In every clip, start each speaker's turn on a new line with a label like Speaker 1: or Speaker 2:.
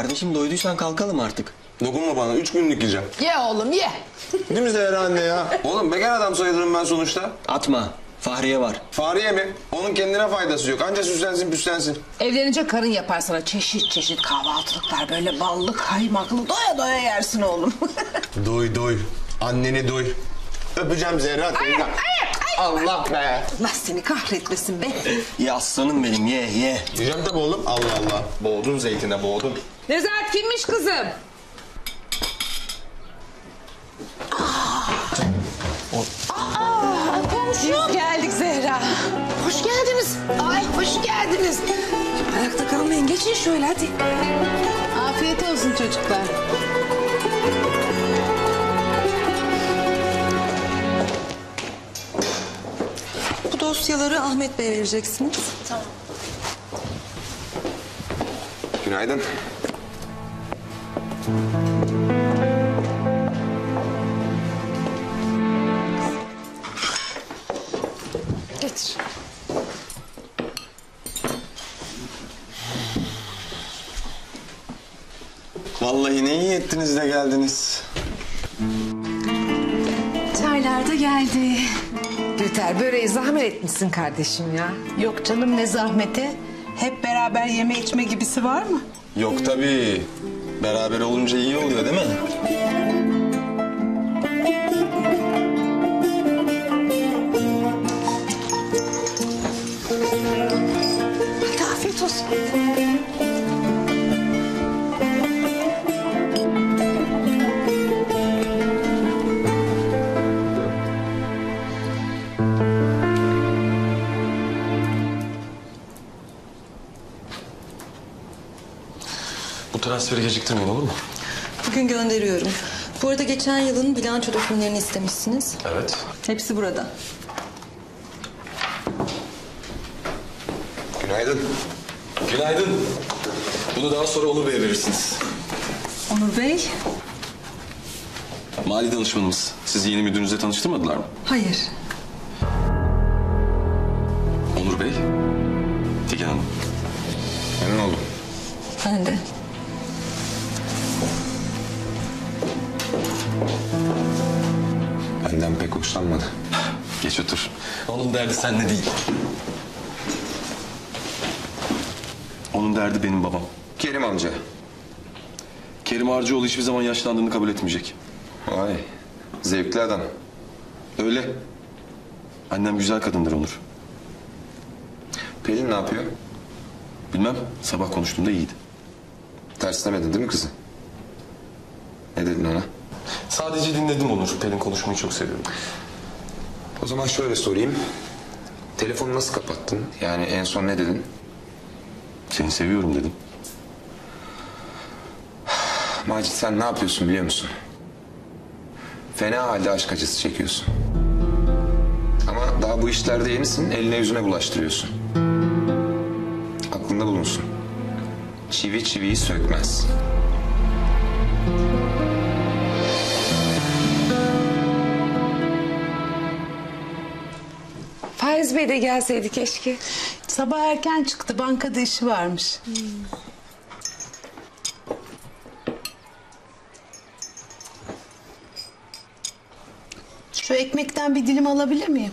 Speaker 1: Kardeşim doyduysan kalkalım artık.
Speaker 2: Dokunma bana, 3 günlük yiyeceğim.
Speaker 3: Ye oğlum ye.
Speaker 2: Değil mi Zehra anne ya? Oğlum bekar adam sayılırım ben sonuçta.
Speaker 1: Atma. Fahriye var.
Speaker 2: Fahriye mi? Onun kendine faydası yok. Anca süslensin püslensin.
Speaker 3: Evlenince karın yapar sana çeşit çeşit kahvaltılıklar. Böyle ballı kaymaklı doya doya yersin oğlum.
Speaker 2: Doy doy. Anneni doy. Öpeceğim Zehra teyze. Allah be.
Speaker 3: Allah seni kahretmesin be.
Speaker 1: Ye aslanım benim ye ye.
Speaker 2: Yiyeceğim tabii oğlum. Allah Allah. Boğdun zeytine boğdun.
Speaker 3: Nezahat kimmiş kızım? Komşum. Geldik Zehra. Hoş geldiniz. Ay hoş geldiniz. Ayakta kalmayın geçin şöyle hadi. Afiyet olsun çocuklar.
Speaker 4: Bu dosyaları Ahmet Bey'e vereceksiniz.
Speaker 3: Tamam.
Speaker 2: Günaydın.
Speaker 3: Getir.
Speaker 2: Vallahi ne iyi ettiniz de geldiniz.
Speaker 5: Çaylar da geldi.
Speaker 3: Gülter böreği zahmet etmişsin kardeşim ya.
Speaker 5: Yok canım ne zahmeti. Hep beraber yeme içme gibisi var mı?
Speaker 2: Yok tabii. Beraber olunca iyi oluyor değil mi?
Speaker 3: Hadi afiyet olsun.
Speaker 6: Bu transferi geciktirmeyin olur mu?
Speaker 4: Bugün gönderiyorum. Bu arada geçen yılın bilanço dokümanlarını istemişsiniz.
Speaker 6: Evet.
Speaker 4: Hepsi burada.
Speaker 2: Günaydın.
Speaker 6: Günaydın. Bunu daha sonra Onur Bey'e verirsiniz.
Speaker 4: Onur Bey?
Speaker 6: Mali danışmanımız. Sizi yeni müdürünüzle tanıştırmadılar mı?
Speaker 4: Hayır.
Speaker 6: Onur Bey. Figen Hanım.
Speaker 2: Memnun oldum.
Speaker 4: Ben de.
Speaker 2: Benden pek hoşlanmadı.
Speaker 6: Geç otur. Onun derdi seninle değil. Onun derdi benim babam.
Speaker 2: Kerim amca.
Speaker 6: Kerim Harcıoğlu hiçbir zaman yaşlandığını kabul etmeyecek.
Speaker 2: Vay. Zevkli adam.
Speaker 6: Öyle. Annem güzel kadındır Onur.
Speaker 2: Pelin ne yapıyor?
Speaker 6: Bilmem. Sabah konuştuğumda iyiydi.
Speaker 2: Terslemedin değil mi kızı? Ne dedin ona?
Speaker 6: Sadece dinledim Onur. Pelin konuşmayı çok seviyorum.
Speaker 2: O zaman şöyle sorayım. Telefonu nasıl kapattın? Yani en son ne dedin?
Speaker 6: Seni seviyorum dedim.
Speaker 2: Macit sen ne yapıyorsun biliyor musun? Fena halde aşk acısı çekiyorsun. Ama daha bu işlerde yenisin, eline yüzüne bulaştırıyorsun. Aklında bulunsun. Çivi çiviyi sökmez.
Speaker 3: Faiz Bey de gelseydi keşke.
Speaker 5: Sabah erken çıktı, bankada işi varmış. Şu ekmekten bir dilim alabilir miyim?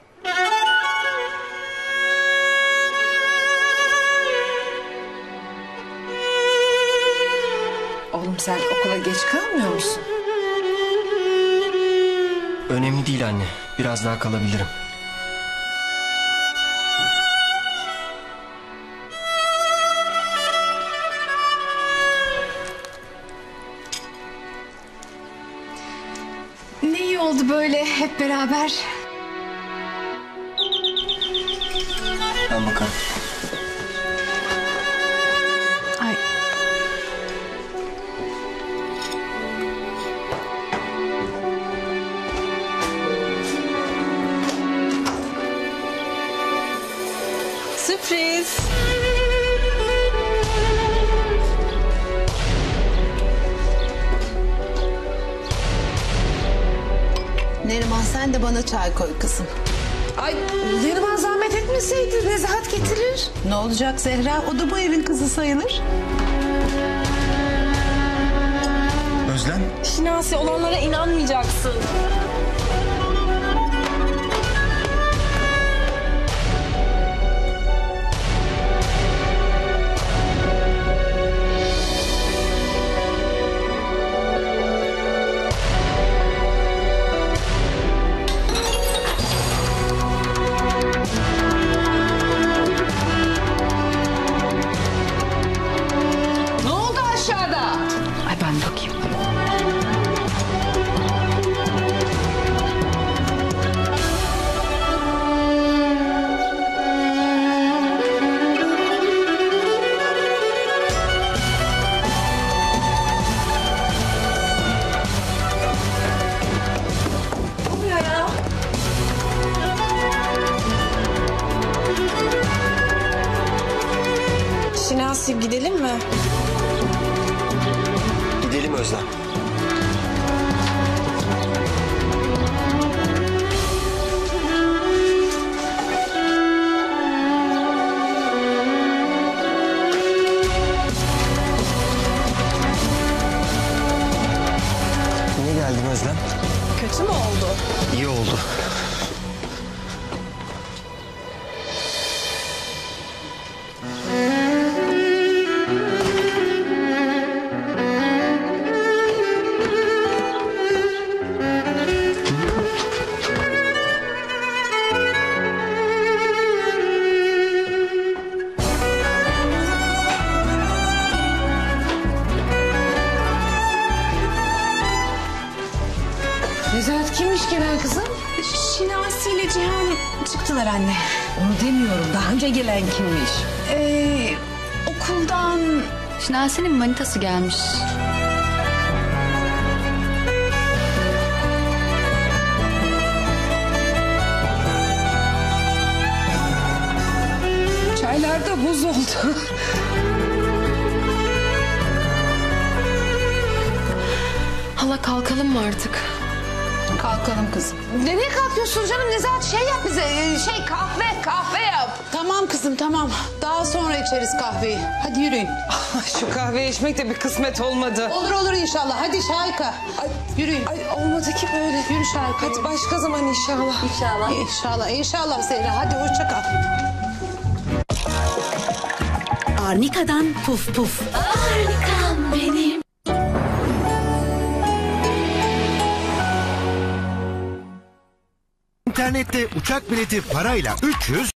Speaker 3: Oğlum sen okula geç kalmıyor musun?
Speaker 1: Önemli değil anne. Biraz daha kalabilirim.
Speaker 5: Ne iyi oldu böyle hep beraber.
Speaker 1: Ben bakarım.
Speaker 5: Ay.
Speaker 4: Sürpriz.
Speaker 5: Neriman sen de bana çay koy kızım.
Speaker 3: Ay Neriman zahmet etmeseydi Nezahat getirir.
Speaker 5: Ne olacak Zehra? O da bu evin kızı sayılır.
Speaker 7: Özlem?
Speaker 8: Şinasi, olanlara inanmayacaksın.
Speaker 3: Ne oldu aşağıda?
Speaker 8: Ay ben bakayım. Şinasi, gidelim mi?
Speaker 1: Gidelim Özlem. Niye geldin Özlem?
Speaker 8: Kötü mü oldu?
Speaker 1: İyi oldu.
Speaker 3: Nezahat kimmiş gelen kızım?
Speaker 5: Şinasi ile Cihan çıktılar anne.
Speaker 3: Onu demiyorum. Daha önce gelen kimmiş?
Speaker 5: Okuldan
Speaker 8: Şinasi'nin manitası gelmiş.
Speaker 3: Çaylar da buz oldu.
Speaker 8: Hala kalkalım mı artık?
Speaker 5: kalkalım kızım.
Speaker 3: Nereye kalkıyorsun canım? Nezahat şey yap bize. Kahve yap.
Speaker 5: Tamam kızım tamam. Daha sonra içeriz kahveyi. Hadi yürüyün.
Speaker 9: Şu kahve içmek de bir kısmet olmadı.
Speaker 5: Olur inşallah. Hadi Şahika. Yürüyün.
Speaker 9: Ay olmadı ki böyle.
Speaker 5: Yürü Şahika.
Speaker 9: Hadi başka zaman inşallah.
Speaker 5: İnşallah Zehra. Hadi hoşça kal.
Speaker 10: Arnika'dan puf puf. Arnika'm benim.
Speaker 7: İnternette uçak bileti parayla 300,